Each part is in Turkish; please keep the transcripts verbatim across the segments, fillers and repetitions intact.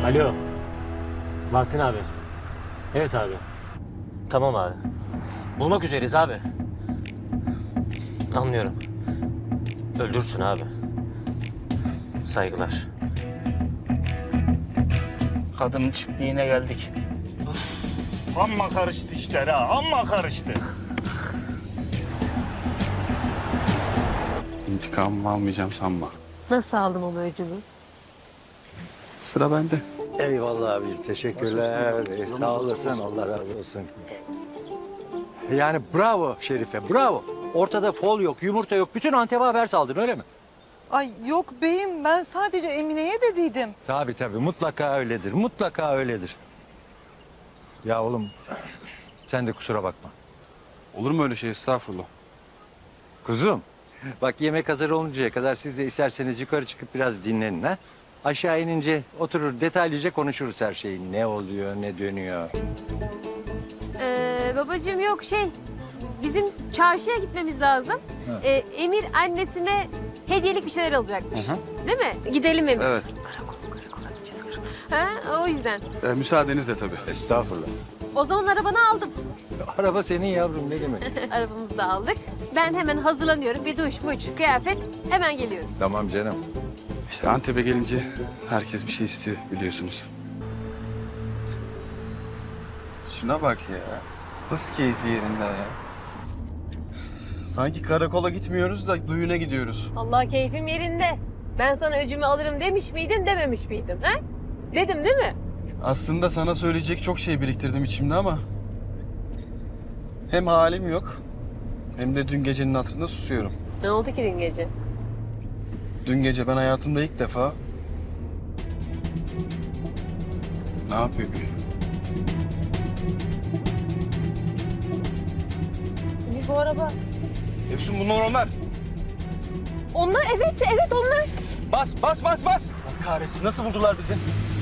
Alo. Bahattin abi. Evet abi. Tamam abi. Bulmak üzereyiz abi. Anlıyorum. Öldürsün abi. Saygılar. Kadının çiftliğine geldik. Of, amma karıştı işler ha, amma karıştı. İntikamımı almayacağım sanma. Nasıl aldım ama öcümü? Sıra bende. Eyvallah abicim, teşekkürler. Ee, sağ olasın, Allah razı olsun. Yani bravo Şerife, bravo. Ortada fol yok, yumurta yok. Bütün Antep'e haber saldın, öyle mi? Ay yok beyim, ben sadece Emine'ye dediydim. Tabii tabii, mutlaka öyledir, mutlaka öyledir. Ya oğlum, sen de kusura bakma. Olur mu öyle şey, estağfurullah. Kuzum, bak yemek hazır oluncaya kadar siz de isterseniz yukarı çıkıp biraz dinlenin ha. Aşağı inince oturur detaylıca konuşuruz her şeyi. Ne oluyor, ne dönüyor. Ee, babacığım yok şey, bizim çarşıya gitmemiz lazım. Ee, Emir annesine hediyelik bir şeyler alacakmış. Hı hı. Değil mi? Gidelim Emir. Evet. Karakol, karakola gideceğiz karakol. Ha, o yüzden. Ee, müsaadenizle tabii. Estağfurullah. O zaman arabanı aldım. Araba senin yavrum, ne demek? Arabamızı da aldık. Ben hemen hazırlanıyorum. Bir duş, muç, kıyafet. Hemen geliyorum. Tamam canım. İşte Antep'e gelince herkes bir şey istiyor biliyorsunuz. Şuna bak ya. Nasıl keyfi yerinde ya. Sanki karakola gitmiyoruz da düğüne gidiyoruz. Allah keyfim yerinde. Ben sana öcümü alırım demiş miydim, dememiş miydim? Ha? Dedim değil mi? Aslında sana söyleyecek çok şey biriktirdim içimde ama... hem halim yok, hem de dün gecenin hatırında susuyorum. Ne oldu ki dün gece? Dün gece ben hayatımda ilk defa... Ne yapıyor bu ya? Emir bu araba. Efsun bunlar onlar. Onlar evet, evet onlar. Bas, bas, bas, bas! Allah kahretsin, nasıl buldular bizi?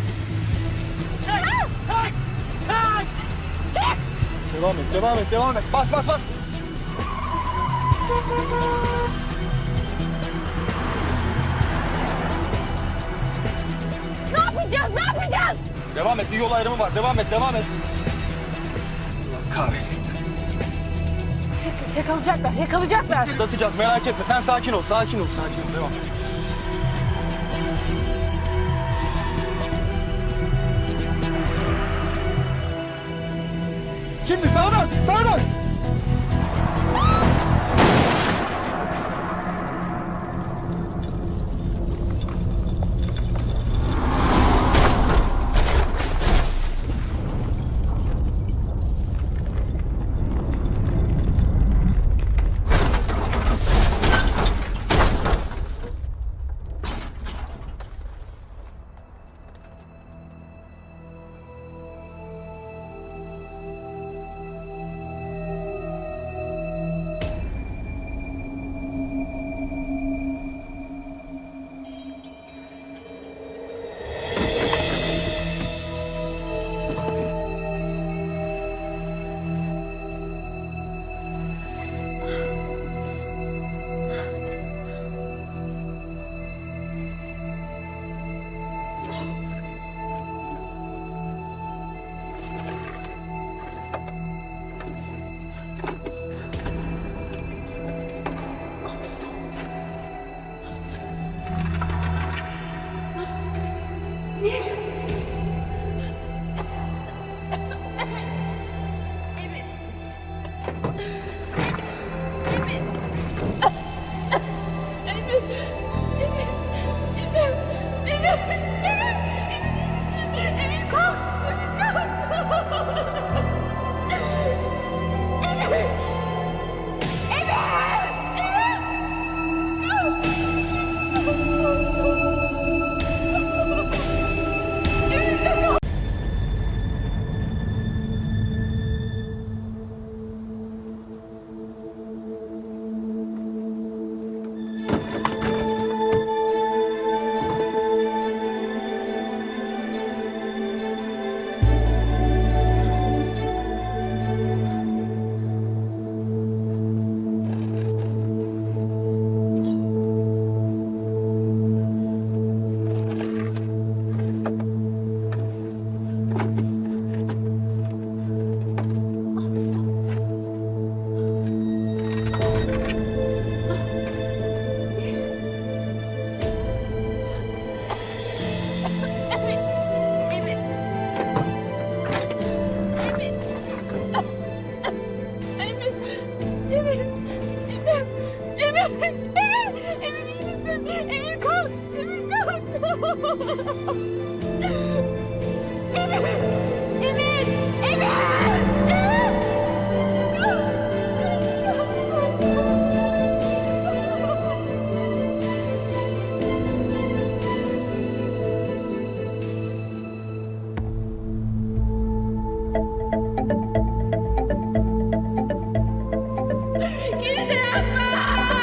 Devam et, devam et, devam et. Bas, bas, bas! Ne yapacağız, ne yapacağız? Devam et, bir yol ayrımı var. Devam et, devam et. Allah kahretsin. Yakalayacaklar, yakalayacaklar. Atlatacağız, merak etme. Sen sakin ol, sakin ol, sakin ol. Devam et. Şimdi sağdan, sağdan! Emir! Emir! Kimse yapma!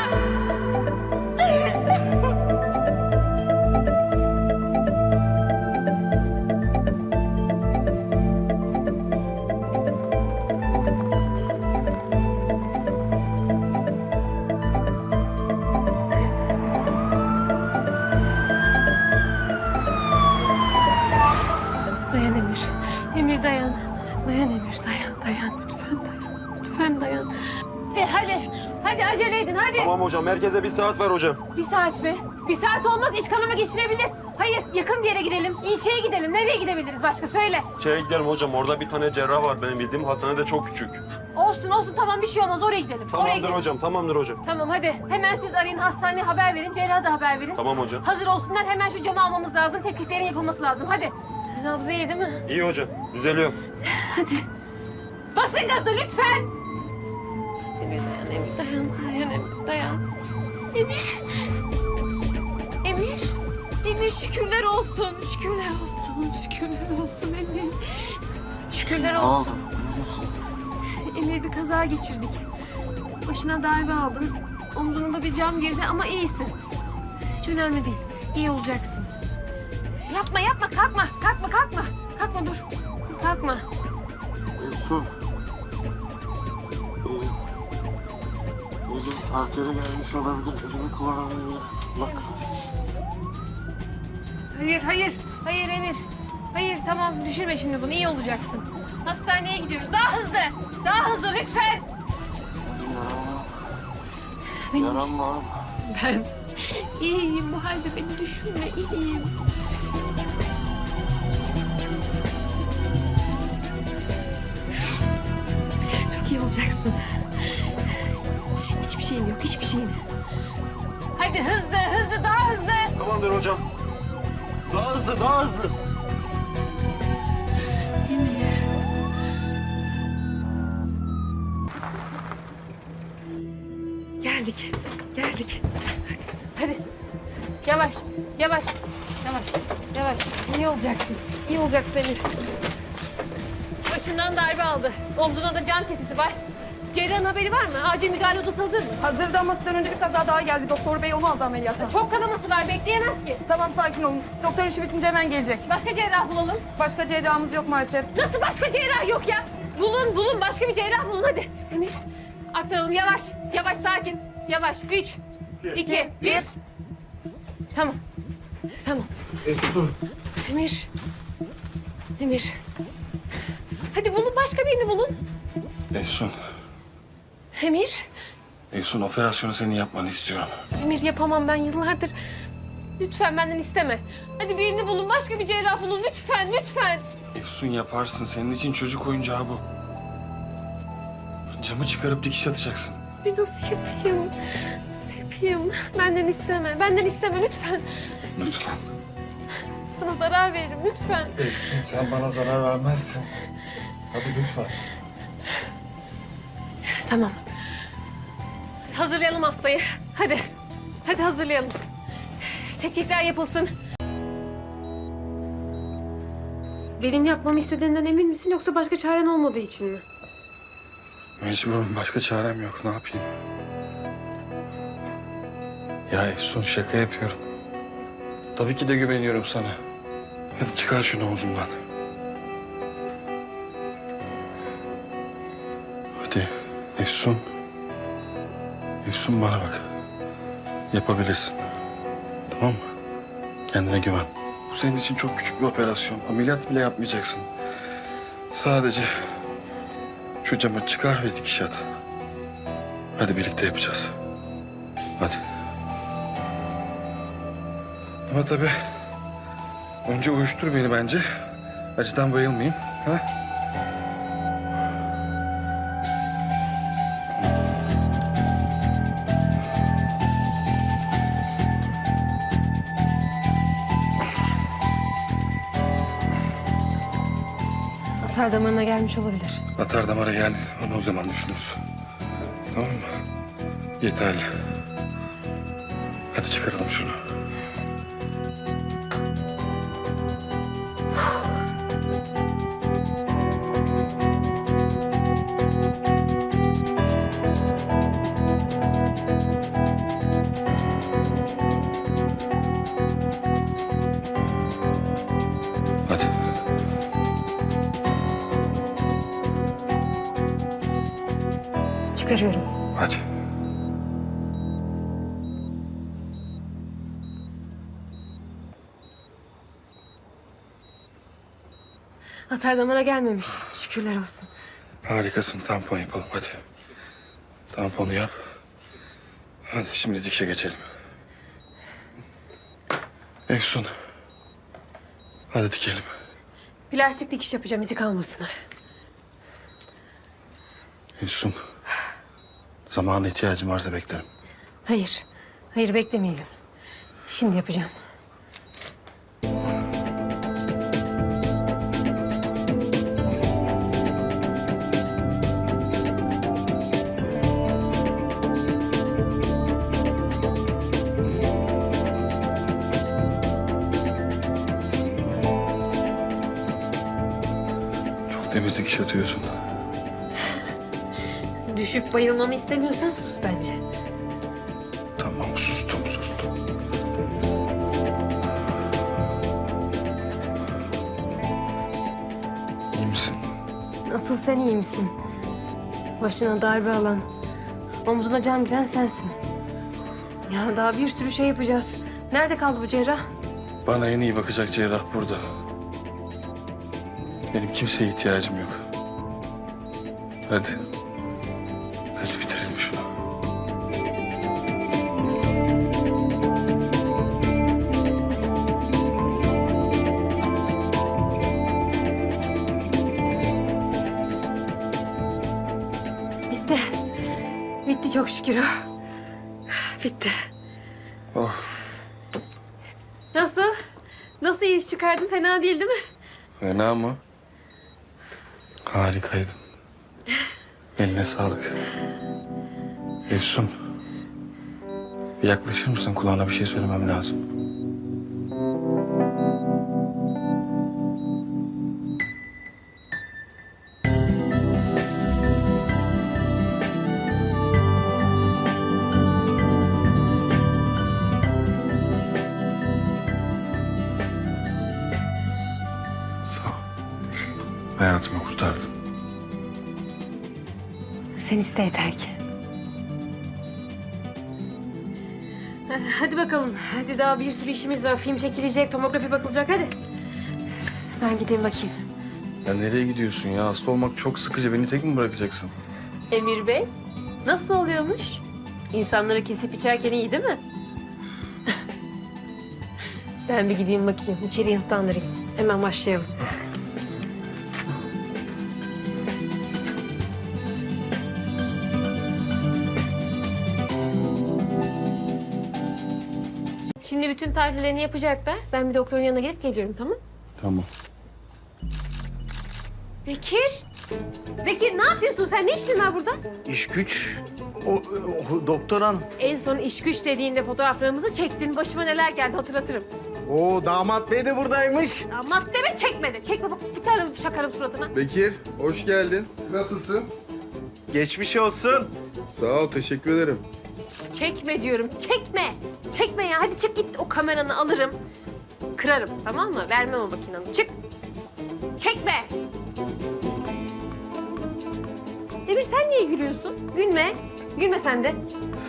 Dayan Emir. Emir dayan. Dayan Emir dayan dayan. Lütfen dayan. Lütfen dayan. De, hadi. Hadi acele edin hadi. Tamam hocam, merkeze bir saat ver hocam. Bir saat mi? Bir saat olmaz, iç kanama geçirebilir. Hayır, yakın bir yere gidelim. İlçeye gidelim. Nereye gidebiliriz başka? Söyle. Şeye gidelim hocam, orada bir tane cerrah var benim bildiğim. Hastane de çok küçük. Olsun olsun, tamam bir şey olmaz. Oraya gidelim. Oraya Tamamdır gidelim. hocam, tamamdır hocam. Tamam hadi. Hemen siz arayın, hastaneye haber verin. Cerraha da haber verin. Tamam hocam. Hazır olsunlar. Hemen şu camı almamız lazım. Tetkiklerin yapılması lazım. Hadi. Nabzı iyi değil mi? İyi hocam, düzeliyor. Hadi. Basın gazı lütfen. Emir dayan, Emir dayan. Dayan, Emir dayan. Emir. Emir. Emir şükürler olsun. Şükürler olsun. Şükürler olsun Emir. Şükürler olsun. Emir bir kaza geçirdik. Başına darbe aldın. Omzuna da bir cam girdi ama iyisin. Hiç önemli değil. İyi olacaksın. Yapma yapma kalkma. Kalkma kalkma. Kalkma dur. Kalkma. Efsun. Elim, elim arteri gelmiş olabilir. Elimi kullanamıyorum. Allah kahretsin. Hayır hayır. Hayır Emir. Hayır tamam düşürme şimdi bunu. İyi olacaksın. Hastaneye gidiyoruz. Daha hızlı. Daha hızlı lütfen. Yaram, Benim yaram var. Ben iyiyim. Bu halde beni düşünme. İyiyim. Çok iyi olacaksın. Hiçbir şeyin yok. Hiçbir şeyin. Hadi hızlı hızlı daha hızlı. Tamamdır hocam. Daha hızlı, daha hızlı. Emir. Geldik. Geldik. Hadi. Hadi. Yavaş. Yavaş. Yavaş. Yavaş. İyi olacaksın. İyi olacaksın Emir. Başından darbe aldı. Omzuna da cam kesisi var. Cerrahın haberi var mı? Acil müdahale odası hazır mı? Hazırdı ama sizden önce bir kaza daha geldi. Doktor bey onu aldı ameliyata. Çok kanaması var. Bekleyemez ki. Tamam sakin olun. Doktor işi bitince hemen gelecek. Başka cerrah bulalım. Başka cerrahımız yok maalesef. Nasıl başka cerrah yok ya? Bulun bulun. Başka bir cerrah bulun hadi. Emir. Aktaralım. Yavaş. Yavaş sakin. Yavaş. Üç. iki. Bir. Tamam. Tamam. Efsun. Emir. Emir. Hadi bulun. Başka birini bulun. Efsun. Emir. Efsun operasyonu senin yapmanı istiyorum. Emir yapamam ben yıllardır. Lütfen benden isteme. Hadi birini bulun. Başka bir cerrah bulun. Lütfen. Lütfen. Efsun yaparsın. Senin için çocuk oyuncağı bu. Camı çıkarıp dikiş atacaksın. Bir nasıl yapayım? Nasıl yapayım? Benden isteme. Benden isteme lütfen. Lütfen. Sana zarar veririm lütfen. Efsun sen bana zarar vermezsin. Hadi lütfen. Tamam. Hazırlayalım hastayı. Hadi. Hadi hazırlayalım. Tetkikler yapılsın. Benim yapmamı istediğinden emin misin yoksa başka çaren olmadığı için mi? Mecburum. Başka çarem yok. Ne yapayım? Ya Efsun şaka yapıyorum. Tabii ki de güveniyorum sana. Hadi çıkar şunu omzumdan. Hadi Efsun. Efsun bana bak. Yapabilirsin. Tamam mı? Kendine güven. Bu senin için çok küçük bir operasyon. Ameliyat bile yapmayacaksın. Sadece şu camı çıkar ve dikiş at. Hadi birlikte yapacağız. Hadi. Ama tabii önce uyuştur beni bence. Acıdan bayılmayayım. Ha? Atar damarına gelmiş olabilir. Atar damara geldi. Onu o zaman düşünürüz. Tamam mı? Yeterli. Hadi çıkaralım şunu. Hadi. Çıkarıyorum. Hadi. Atar damara gelmemiş. Şükürler olsun. Harikasın. Tampon yapalım hadi. Tamponu yap. Hadi şimdi dikişe geçelim. Efsun. Hadi dikelim. Plastik dikiş yapacağım izi kalmasın. Efsun. Zamana ihtiyacım varsa beklerim. Hayır. Hayır beklemeyelim. Şimdi yapacağım. Çok temizlik iş atıyorsun. Düşüp bayılmamı istemiyorsan sus bence. Tamam sustum sustum. İyi misin? Asıl sen iyi misin? Başına darbe alan, omzuna can giren sensin. Ya daha bir sürü şey yapacağız. Nerede kaldı bu cerrah? Bana en iyi bakacak cerrah burada. Benim kimseye ihtiyacım yok. Hadi. Hadi bitirelim şunu. Bitti. Bitti çok şükür. Bitti. Oh. Nasıl? Nasıl iyi iş çıkardın? Fena değil değil mi? Fena mı? Harikaydın. Eline sağlık. Efsun. Bir yaklaşır mısın? Kulağına bir şey söylemem lazım. Sağ ol. Hayatımı kurtardın. Sen iste yeter ki. Hadi bakalım. Hadi daha bir sürü işimiz var. Film çekilecek, tomografi bakılacak. Hadi. Ben gideyim bakayım. Ya nereye gidiyorsun ya? Hasta olmak çok sıkıcı. Beni tek mi bırakacaksın? Emir Bey, nasıl oluyormuş? İnsanları kesip içerken iyi değil mi? Ben bir gideyim bakayım. İçeriği ıslandırayım. Hemen başlayalım. Şimdi bütün tahlillerini yapacaklar. Ben bir doktorun yanına gelip geliyorum, tamam? Tamam. Bekir! Bekir ne yapıyorsun sen? Ne işin var burada? İş güç. O, o doktor hanım. En son iş güç dediğinde fotoğraflarımızı çektin. Başıma neler geldi hatırlatırım. O damat bey de buradaymış. Damat deme çekmedi. Çekme bak bir tane çakarım suratına. Bekir, hoş geldin. Nasılsın? Geçmiş olsun. Sağ ol, teşekkür ederim. Çekme diyorum. Çekme. Çekme ya. Hadi çık git o kameranı alırım. Kırarım tamam mı? Vermem o makinanı. Çık. Çekme. Emir sen niye gülüyorsun? Gülme. Gülme sen de.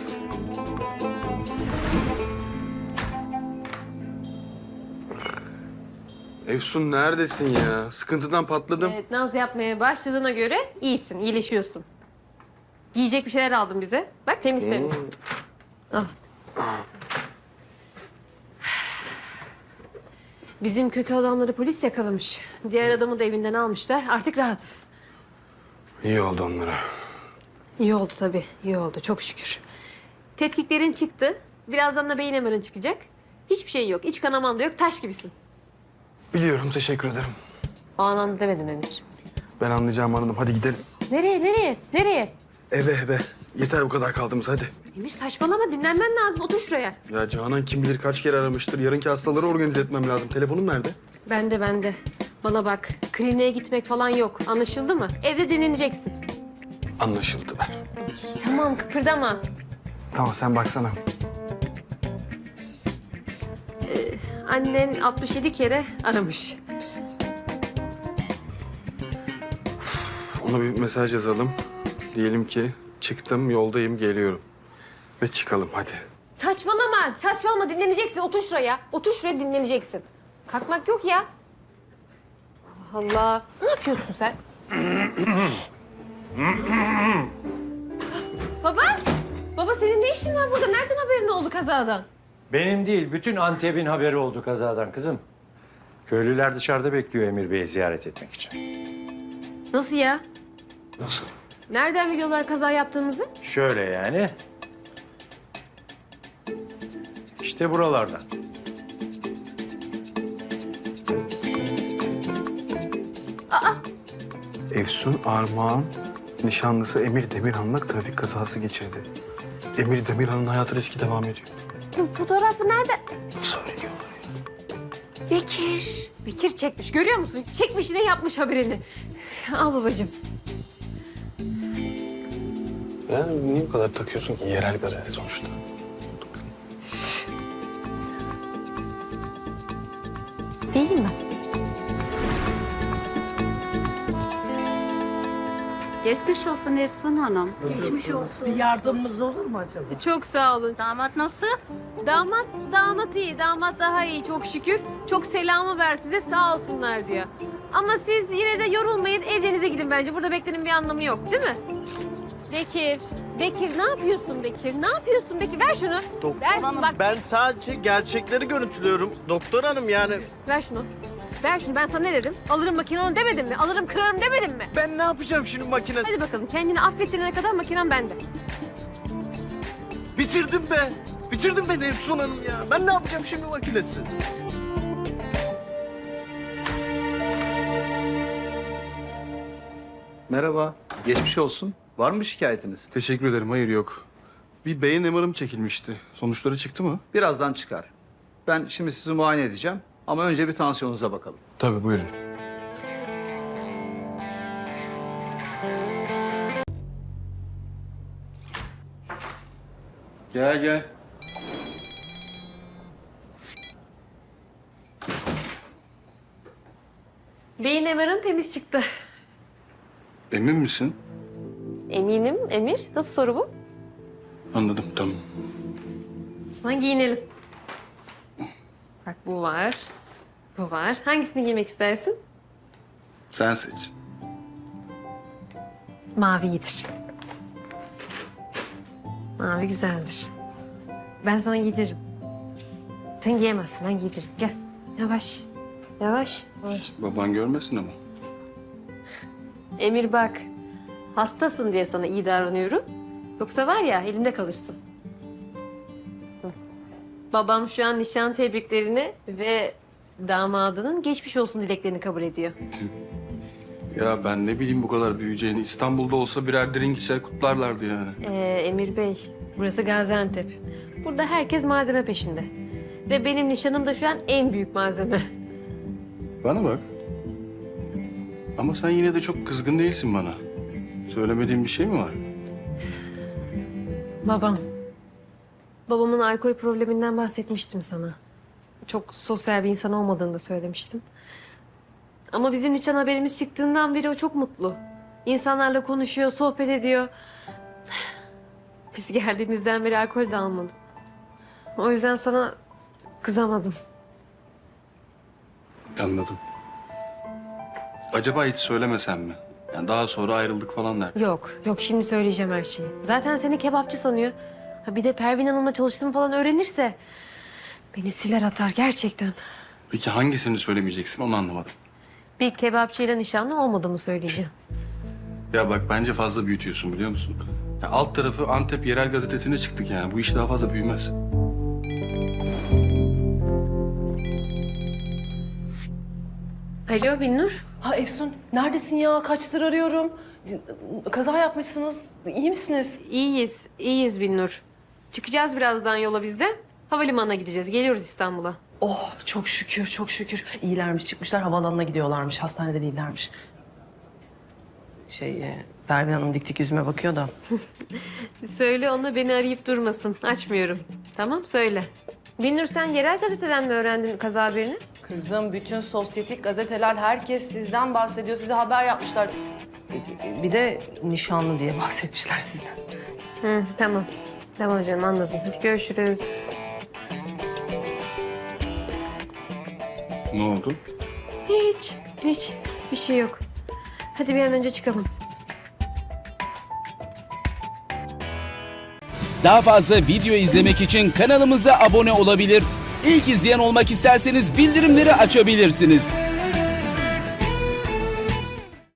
Efsun neredesin ya? Sıkıntıdan patladım. Evet naz yapmaya başladığına göre iyisin, iyileşiyorsun. Yiyecek bir şeyler aldım bize. Bak temiz temiz. Al. Bizim kötü adamları polis yakalamış. Diğer adamı da evinden almışlar. Artık rahatız. İyi oldu onlara. İyi oldu tabii. İyi oldu. Çok şükür. Tetkiklerin çıktı. Birazdan da beyin M R'ın çıkacak. Hiçbir şey yok. İç kanaman da yok. Taş gibisin. Biliyorum, teşekkür ederim. O anlamda demedim Emir. Ben anlayacağımı anladım. Hadi gidelim. Nereye, nereye, nereye? Eve eve. Yeter bu kadar kaldığımız hadi. Emir saçmalama, dinlenmen lazım. Otur şuraya. Ya Canan kim bilir kaç kere aramıştır. Yarınki hastaları organize etmem lazım. Telefonum nerede? Bende, bende. Bana bak, kliniğe gitmek falan yok. Anlaşıldı mı? Evde dinleneceksin. Anlaşıldı ver. Tamam, kıpırdama. Tamam sen baksana. Annen altmış yedi kere aramış. Ona bir mesaj yazalım. Diyelim ki çıktım, yoldayım, geliyorum. Ve çıkalım hadi. Saçmalama, saçmalama. Dinleneceksin. Otur şuraya. Otur şuraya, dinleneceksin. Kalkmak yok ya. Allah Allah. Ne yapıyorsun sen? Baba, baba senin ne işin var burada? Nereden haberin oldu kazadan? Benim değil, bütün Antep'in haberi oldu kazadan kızım. Köylüler dışarıda bekliyor Emir Bey'i ziyaret etmek için. Nasıl ya? Nasıl? Nereden biliyorlar kaza yaptığımızı? Şöyle yani. İşte buralardan. Efsun Armağan nişanlısı Emir Demirhan'la trafik kazası geçirdi. Emir Demirhan'ın hayatı riski devam ediyor. Bu fotoğrafı nerede? Nasıl öğreniyorlar? Bekir. Bekir çekmiş, görüyor musun? Çekmiş, ne yapmış haberini. Al babacığım. Yani niye bu kadar takıyorsun ki yerel gazete sonuçta? İyiyim ben. Geçmiş olsun Efsun Hanım. Bir yardımımız olur mu acaba? Çok sağ olun. Damat nasıl? Damat, damat iyi. Damat daha iyi çok şükür. Çok selamı ver size, sağ olsunlar diyor. Ama siz yine de yorulmayın, evlerinize gidin bence. Burada beklenin bir anlamı yok, değil mi? Bekir, Bekir ne yapıyorsun Bekir? Ne yapıyorsun Bekir? Ver şunu. Doktor Ver şunu, hanım bak. ben sadece gerçekleri görüntülüyorum. Doktor hanım yani Ver şunu. Ver şunu. Ben sana ne dedim? Alırım makinanı demedim mi? Alırım kırarım demedim mi? ben ne yapacağım şimdi makinesi? Hadi bakalım. Kendini affettirene kadar makinen bende. Bitirdim be. Bitirdim beni Efsun hanım ya. Ben ne yapacağım şimdi makinesiz? Merhaba, geçmiş olsun. Var mı şikayetiniz? Teşekkür ederim. Hayır yok. Bir beyin M R'ım çekilmişti. Sonuçları çıktı mı? Birazdan çıkar. Ben şimdi sizi muayene edeceğim ama önce bir tansiyonunuza bakalım. Tabii buyurun. Gel gel. Beyin M R'ın temiz çıktı. Emin misin? Eminim Emir. Nasıl soru bu? Anladım tamam. O zaman giyinelim. Bak bu var. Bu var. Hangisini giymek istersin? Sen seç. Mavidir. Mavi güzeldir. Ben sana giydiririm. Sen giyemezsin, ben giydiririm. Gel. Yavaş. Yavaş. Yavaş. Baban görmesin ama. Emir bak. Hastasın diye sana iyi davranıyorum. Yoksa var ya elimde kalırsın. Hı. Babam şu an nişan tebriklerini ve damadının geçmiş olsun dileklerini kabul ediyor. Ya ben ne bileyim bu kadar büyüyeceğini. İstanbul'da olsa birer drink içer kutlarlardı yani. Ee, Emir Bey, burası Gaziantep. Burada herkes malzeme peşinde. Ve benim nişanım da şu an en büyük malzeme. Bana bak. Ama sen yine de çok kızgın değilsin bana. Söylemediğin bir şey mi var? Babam. Babamın alkol probleminden bahsetmiştim sana. Çok sosyal bir insan olmadığını da söylemiştim. Ama bizim nişan haberimiz çıktığından beri o çok mutlu. İnsanlarla konuşuyor, sohbet ediyor. Biz geldiğimizden beri alkol de almadı. O yüzden sana kızamadım. Anladım. Acaba hiç söylemesem mi? Yani daha sonra ayrıldık falan der. Yok, yok şimdi söyleyeceğim her şeyi. Zaten seni kebapçı sanıyor. Ha bir de Pervin Hanım'la çalıştığımı falan öğrenirse... ...beni siler atar gerçekten. Peki hangisini söylemeyeceksin onu anlamadım. Bir kebapçıyla nişanlı olmadığımı söyleyeceğim. Ya bak bence fazla büyütüyorsun biliyor musun? Ya alt tarafı Antep Yerel Gazetesi'ne çıktık yani. Bu iş daha fazla büyümez. Alo Binnur. Ha Efsun, neredesin ya? Kaçtır arıyorum. Kaza yapmışsınız. İyi misiniz? İyiyiz, iyiyiz Binnur. Çıkacağız birazdan yola biz de. Havalimanına gideceğiz. Geliyoruz İstanbul'a. Oh, çok şükür, çok şükür. İyilermiş, çıkmışlar, havaalanına gidiyorlarmış. Hastanede değillermiş. Şey, e, Pervin Hanım dik dik yüzüme bakıyor da. Söyle ona beni arayıp durmasın. Açmıyorum. Tamam söyle. Binnur sen yerel gazeteden mi öğrendin kaza haberini? Kızım, bütün sosyetik gazeteler, herkes sizden bahsediyor. Size haber yapmışlar. Bir de nişanlı diye bahsetmişler sizden. Hı, tamam. Tamam canım anladım. Hadi görüşürüz. Ne oldu? Hiç, hiç. Bir şey yok. Hadi bir an önce çıkalım. Daha fazla video izlemek için kanalımıza abone olabilir. İlk izleyen olmak isterseniz bildirimleri açabilirsiniz.